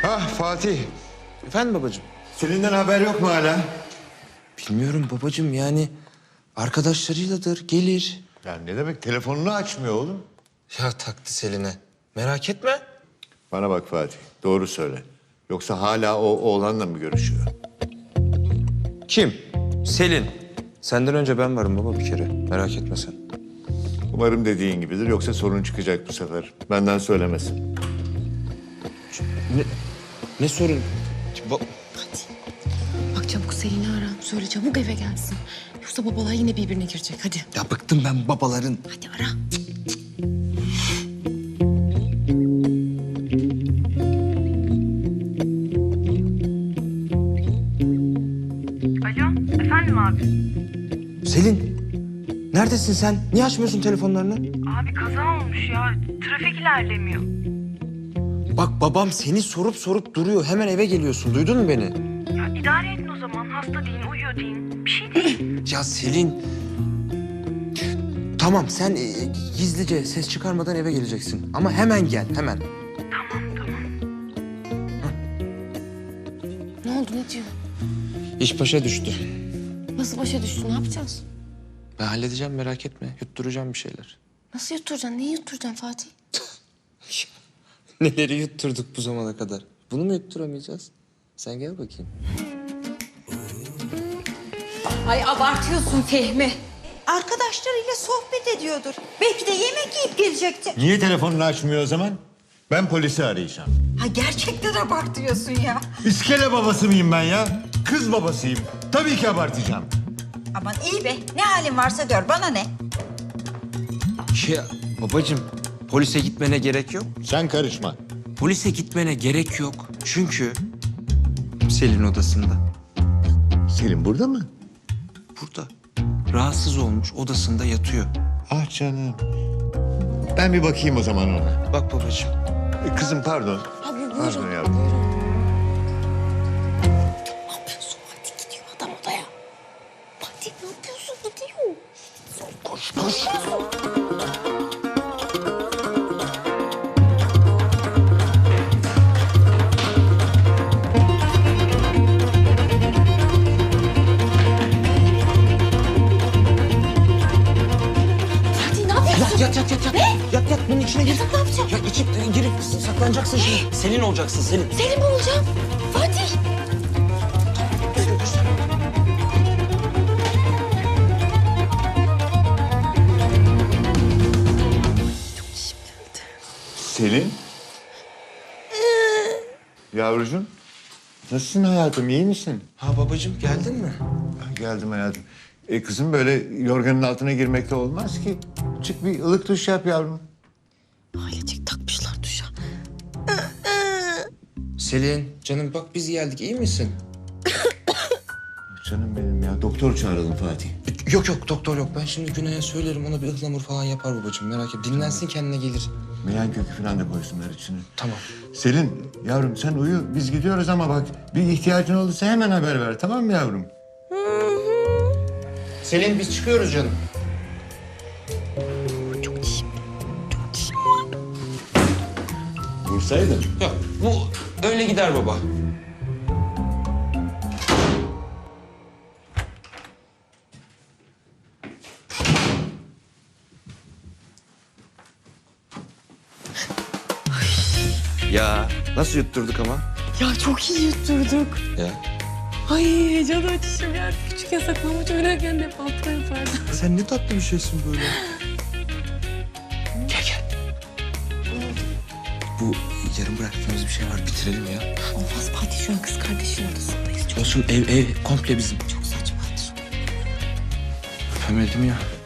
Ah Fatih, Efendim babacığım? Selin'den haber yok mu hala? Bilmiyorum babacığım, yani arkadaşlarıyladır, gelir. Ya ne demek, telefonunu açmıyor oğlum. Ya taktı Selin'e. Merak etme. Bana bak Fatih, doğru söyle. Yoksa hala o oğlanla mı görüşüyor? Kim? Selin. Senden önce ben varım baba bir kere. Merak etme sen. Umarım dediğin gibidir, yoksa sorun çıkacak bu sefer. Benden söylemesin. Ne sorun? Bak çabuk Selin'i ara. Söyle çabuk eve gelsin. Yoksa babalar yine birbirine girecek. Hadi. Ya bıktım ben babaların. Hadi ara. Alo, efendim abi? Selin. Neredesin sen? Niye açmıyorsun telefonlarını? Abi kaza olmuş ya. Trafik ilerlemiyor. Bak babam seni sorup duruyor. Hemen eve geliyorsun. Duydun mu beni? Ya idare edin o zaman. Hasta deyin, uyuyor deyin. Bir şey değil. Ya Selin. Tamam sen gizlice ses çıkarmadan eve geleceksin. Ama hemen gel hemen. Tamam, tamam. Ne oldu ne diyor? İş başa düştü. Nasıl başa düştü ne yapacağız? Ben halledeceğim merak etme. Yutturacağım bir şeyler. Nasıl yutturacaksın? Neyi yutturacaksın Fatih? Neleri yutturduk bu zamana kadar? Bunu mu yutturamayacağız? Sen gel bakayım. Ay abartıyorsun Fehmi. Arkadaşlarıyla sohbet ediyordur. Belki de yemek yiyip gelecekti. Niye telefonunu açmıyor o zaman? Ben polisi arayacağım. Ha gerçekten abartıyorsun ya. İskele babası mıyım ben ya? Kız babasıyım. Tabii ki abartacağım. Aman iyi be. Ne halin varsa gör. Bana ne? Ya babacığım polise gitmene gerek yok. Sen karışma. Polise gitmene gerek yok. Çünkü Selin odasında. Selin burada mı? Burada. Rahatsız olmuş odasında yatıyor. Ah canım. Ben bir bakayım o zaman ona. Bak babacığım. Kızım pardon. Abi buyurun. Pardon yavrum. Ne yapıyorsun? Hadi gidiyor adam odaya. Fatih ne yapıyorsun? Gidiyor. Koş. Fatih ne yapıyorsun? Yat. Yat bunun içine gir. Ne yapacağım? Ya içip girip saklanacaksın şimdi. Selin olacaksın Selin. Selim mi olacağım? Fatih. Selin? Yavrucuğum. Nasılsın hayatım, iyi misin? Ha babacığım geldin mi? Geldim hayatım. Kızım böyle yorganın altına girmekle olmaz ki. Çık bir ılık duş yap yavrum. Ailecek takmışlar duşa. Selin canım bak biz geldik iyi misin? Canım benim ya. Doktor çağıralım Fatih. Yok doktor yok. Ben şimdi Güney'e söylerim ona bir ıhlamur falan yapar babacığım merak etme. Dinlensin kendine gelir. Meyan kökü falan da koysunlar içine. Tamam. Selin yavrum sen uyu. Biz gidiyoruz ama bak bir ihtiyacın olursa hemen haber ver, tamam mı yavrum? Selin biz çıkıyoruz canım. Vursaydın. Yok bu öyle gider baba. Ya nasıl yutturduk ama? Ya çok iyi yutturduk. Ya. Ay heyecan açışım ya. Küçükken saklambaç oynarken de hep altına yapardım. Sen ne tatlı bir şeysin böyle. Gel. Bu yarım bıraktığımız bir şey var bitirelim ya. Olmaz Fatih şu an kız kardeşin odasındayız. Çok Olsun ev komple bizim. saçma hadi. Öpemedim ya.